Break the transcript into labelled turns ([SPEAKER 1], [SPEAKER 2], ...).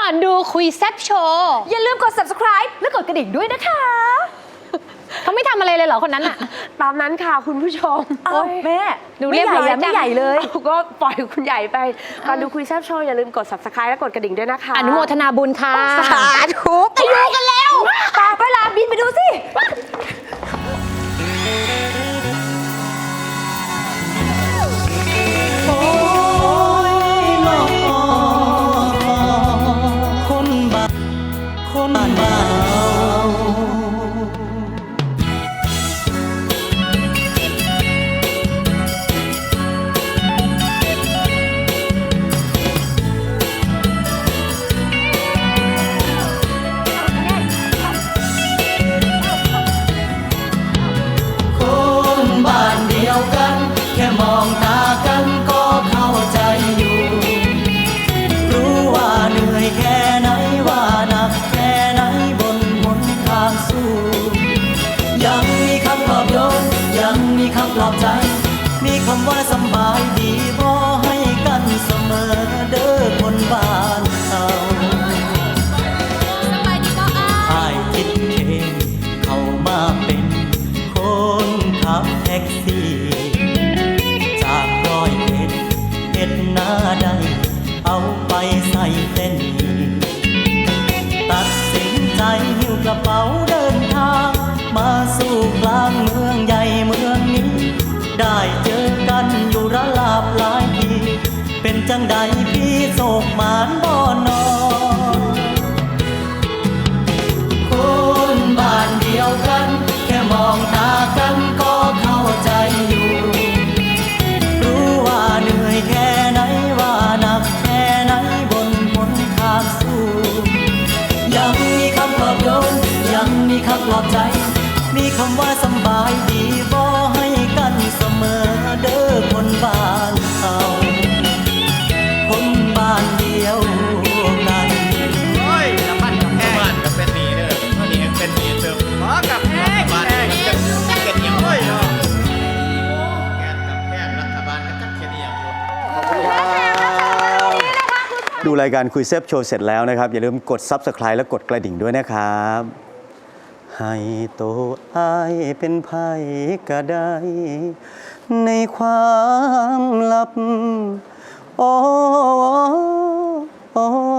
[SPEAKER 1] อนดูคุยแซ่บโชว์
[SPEAKER 2] อย่าลืมกด subscribe และกดกระดิ่งด้วยนะคะ
[SPEAKER 1] เขาไม่ทำอะไรเลยเหรอคนนั้นอะ
[SPEAKER 2] ตามนั้นค่ะคุณผู้ชมแม่
[SPEAKER 1] ดูเรียบร้อยจัง
[SPEAKER 2] ไม่ใหญ่เลยก็ปล่อยคุณใหญ่ไปก่อนดูคุยแซ่บโชว์อย่าลืมกด subscribe และกดกระดิ่งด้วยนะคะ
[SPEAKER 1] อนุโมทนาบุญค่ะ
[SPEAKER 2] สาธุไปดูกันแล้วต่อไปลาบินไปดูสิ
[SPEAKER 3] คนบ้านเดียวกันแค่มองตากันก็เข้าใจอยู่รู้ว่าเหนื่อยแค่ไหนว่าหนักแค่ไหนบนหนทางสู้ยังมีคำปลอบโยนยังมีคำปลอบใจมีคำว่าสบายดีพอให้กันเสมอเด้อคนบ้านเราอ้ายคิดเองเข้ามาเป็นคนขับแท็กซี่จาก100 เอ็ดหน้าได้เอาไปใส่เส้นตัดสินใจหิ้วกระเป๋าเดินทางมาสู่กลางเมืองใหญ่เมืองนี้ได้เจอกันอยู่ระลาบหลายทีเป็นจังใดพี่โศกหมานบ่นอคนบ้านเดียวกันแค่มองตากันก็เข้าใจอยู่รู้ว่าเหนื่อยแค่ไหนว่าหนักแค่ไหนบนหนทางสู้ยังมีคำปลอบโยนยังมีคำปลอบใจมีคำว่าสบายดีบ่ให้กันเสมอเด้อคนบ้านเราคนบ้านเดียวกัน
[SPEAKER 4] โอ้ยน้ำมันกับแห้งบ้านกับเป็นหนีเด้อเท่านี้เป็นหนีเติมขอกับแห้งบ้านกับจักเก็ตเหนียวโอ้ยเนาะแกนกับแห้งรัฐบาลกับจักเก็ตเหนียวขอบคุณครับ
[SPEAKER 3] ดูรายการคุยแซ่บโชว์เสร็จแล้วนะครับอย่าลืมกด Subscribe และกดกระดิ่งด้วยนะครับให้โตอ้ายเป็นไผก็ได้ในความลับโอ้